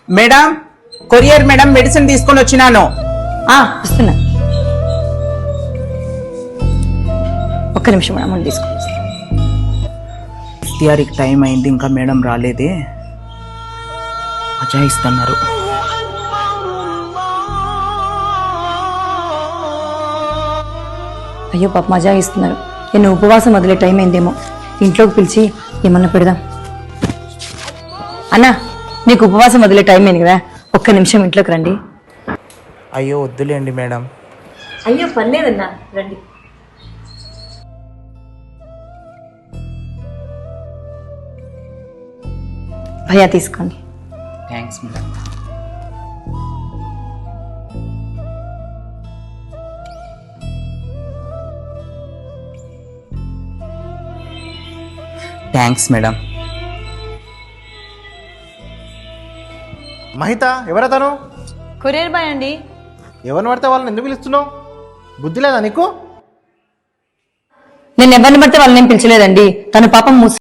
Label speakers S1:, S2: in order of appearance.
S1: Madam, courier madam, medicine తీసుకొని వచ్చినాను.
S2: వస్తున్నా, ఒక్క నిమిషం మేడం, ముందు తీసుకుని
S1: ఇఫ్తియారికి టైం అయింది, ఇంకా మేడం రాలేదే. అజాయిస్తున్నారు.
S2: అయ్యో పాప మజా ఇస్తున్నారు. నేను ఉపవాసం వదిలే టైం అయిందేమో, ఇంట్లోకి పిలిచి ఏమన్నా పెడదాం. అన్నా, నీకు ఉపవాసం వదిలే టైం అయింది కదా, ఒక్క నిమిషం ఇంట్లోకి రండి.
S1: అయ్యో వద్దులేండి మేడం.
S2: అయ్యో పర్లేదన్నా, రండి. భయ్యా తీసుకోండి.
S1: Thanks madam. Thanks madam.
S3: Mahitha, ఎవరతను?
S2: కొరియర్ బాయ్ అండి.
S3: ఎవరిని పడితే వాళ్ళని ఎందుకు పిలుస్తున్నావు? బుద్ధి లేదా నీకు?
S2: నేను ఎవరిని పడితే వాళ్ళని పిలిచలేదండి. తను పాపం